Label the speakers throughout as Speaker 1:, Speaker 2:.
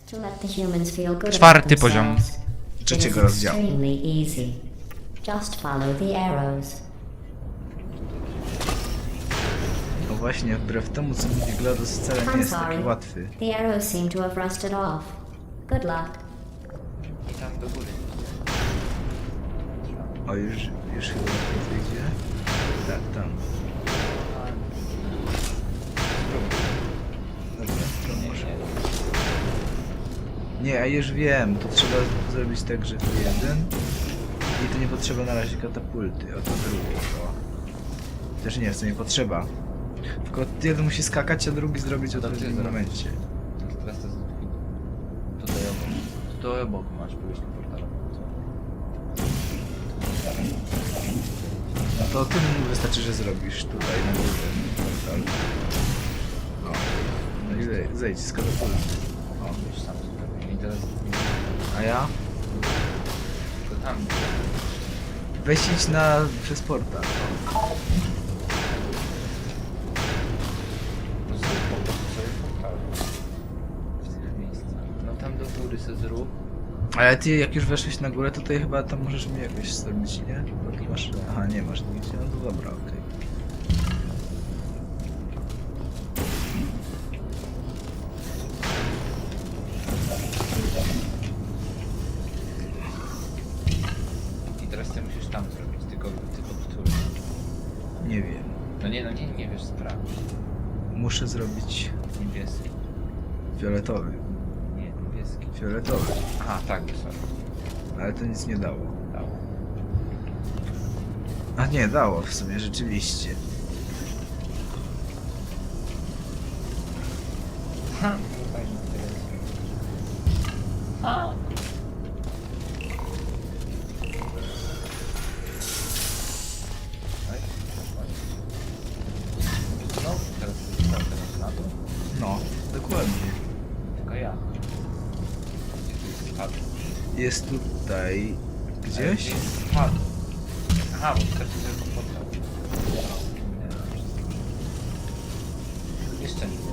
Speaker 1: To let the humans feel good about
Speaker 2: Czwarty poziom.
Speaker 1: themselves.
Speaker 3: Trzeciego
Speaker 1: It is
Speaker 3: rozdziału.
Speaker 1: extremely easy. Just follow the arrows.
Speaker 3: No właśnie, wbrew temu co mówi GLaDOS wcale nie
Speaker 1: I'm
Speaker 3: jest
Speaker 1: sorry.
Speaker 3: taki łatwy.
Speaker 1: The arrows seem to have rusted off. Good luck.
Speaker 2: I tam do góry.
Speaker 3: O, już chyba wyjdzie. Tak, tam. Dobra, to może. Nie, ja już wiem, to trzeba zrobić tak, że tu jeden i tu nie potrzeba na razie katapulty, a to drugi, o. Też nie, co nie potrzeba. Tylko jeden musi skakać, a drugi zrobić w odpowiednim momencie.
Speaker 2: Teraz to jest tutaj obok. Tutaj obok masz pójść do portalu.
Speaker 3: No to tym wystarczy, że zrobisz tutaj na górze portal. O. No i zejdź z katapulty.
Speaker 2: O, już sam zupełnie. I teraz...
Speaker 3: A ja?
Speaker 2: Tylko tam.
Speaker 3: Weź idź przez portal.
Speaker 2: Zrób po prostu sobie portal. W tych miejscach. No tam do góry se zrób.
Speaker 3: Ale ty jak już weszłeś na górę, to tutaj chyba tam możesz mi jakoś zrobić, nie? Bo tu masz... Aha, nie masz nigdzie, no to dobra, okej.
Speaker 2: I teraz ty musisz tam zrobić, tylko który.
Speaker 3: Nie wiem.
Speaker 2: No nie wiesz, sprawdź.
Speaker 3: Muszę zrobić
Speaker 2: Niebieski.
Speaker 3: fioletowy.
Speaker 2: Nie, niebieski.
Speaker 3: Fioletowy.
Speaker 2: Aha, tak, sorry.
Speaker 3: Ale to nic nie dało.
Speaker 2: Dało.
Speaker 3: A nie, dało w sumie, rzeczywiście.
Speaker 2: Ha! Fajnie, interesuje. Ha! Oj, no, teraz na to.
Speaker 3: No, dokładnie.
Speaker 2: Tylko ja. Gdzie tu jest spadł?
Speaker 3: Jest tutaj... Gdzieś?
Speaker 2: Spadł. Aha, bo wystarczy, że go poddał. Jeszcze nie.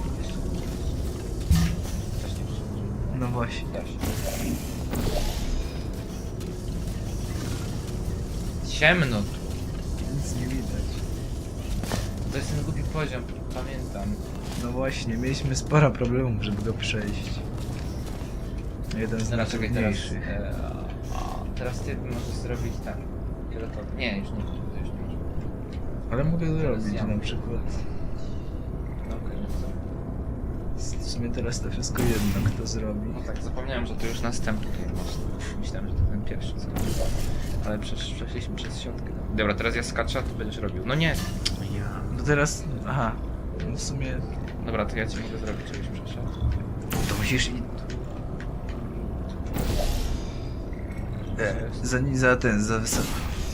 Speaker 2: Też nie przyjdzie.
Speaker 3: No właśnie.
Speaker 2: Da się. Ciemno tu.
Speaker 3: Nic nie widać.
Speaker 2: To jest ten głupi poziom, pamiętam.
Speaker 3: No właśnie, mieliśmy sporo problemów, żeby go przejść. Jeden z
Speaker 2: Dobra, czekaj, teraz,
Speaker 3: najtrudniejszych.
Speaker 2: teraz ty możesz zrobić ten. Fioletowy. Nie, już nie.
Speaker 3: Ale mogę zrobić
Speaker 2: ja.
Speaker 3: na przykład.
Speaker 2: No okej, no to...
Speaker 3: W sumie teraz to wszystko jedno, kto zrobi.
Speaker 2: No tak, zapomniałem, że to już następny masz. Myślałem, że to ten pierwszy co. Ale przeszliśmy przez środkę. Dobra, teraz ja skaczę, a ty będziesz robił. No nie! Ja.
Speaker 3: No teraz... Aha. No w sumie...
Speaker 2: Dobra, to ja ci mogę zrobić, żebyś przeszedł.
Speaker 3: To musisz i... za wysoko.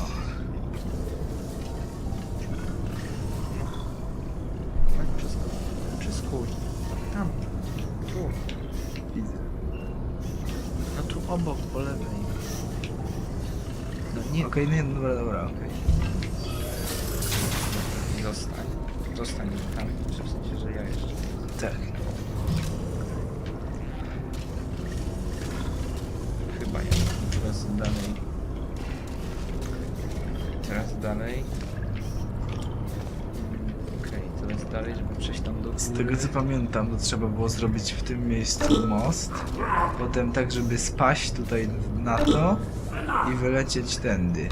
Speaker 2: No i przeskój. Tam. Tu.
Speaker 3: Widzę.
Speaker 2: No tu obok, po lewej. No nie.
Speaker 3: Okej, nie, dobra, okej.
Speaker 2: Zostań. Zostań tam. W sensie, że ja jeszcze.
Speaker 3: Tak.
Speaker 2: Chyba nie. Teraz dalej. Teraz dalej. Okej, teraz dalej, żeby przejść tam do góry.
Speaker 3: Z tego co pamiętam, to trzeba było zrobić w tym miejscu most, potem tak, żeby spaść tutaj na to i wylecieć tędy.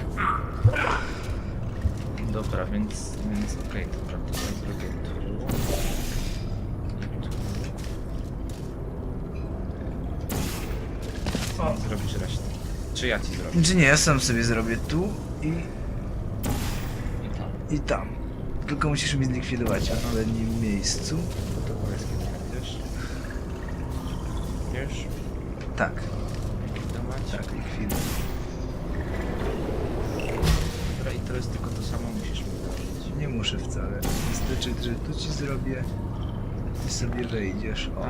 Speaker 2: Dobra, więc okej, dobra, to ja zrobię tu. I tu. O, zrobisz resztę. Czy ja ci zrobię?
Speaker 3: Czy nie, ja sam sobie zrobię tu
Speaker 2: I tam.
Speaker 3: i tam. Tylko musisz mi zlikwidować w odpowiednim miejscu.
Speaker 2: To powiedz kiedy będziesz. Wiesz?
Speaker 3: Tak,
Speaker 2: Likwidować.
Speaker 3: tak, likwiduj.
Speaker 2: Dobra, i teraz tylko to samo musisz mi zrobić.
Speaker 3: Nie muszę wcale. Wystarczy, że tu ci zrobię i sobie wejdziesz. O.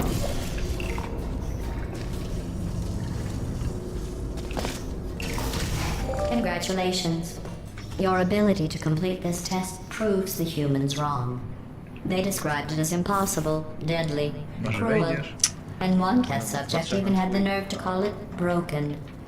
Speaker 1: Congratulations. Your ability to complete this test proves the humans wrong. They described it as impossible, deadly,
Speaker 3: Może
Speaker 1: cruel,
Speaker 3: wejdziesz?
Speaker 1: And one test subject even had the nerve to call it broken.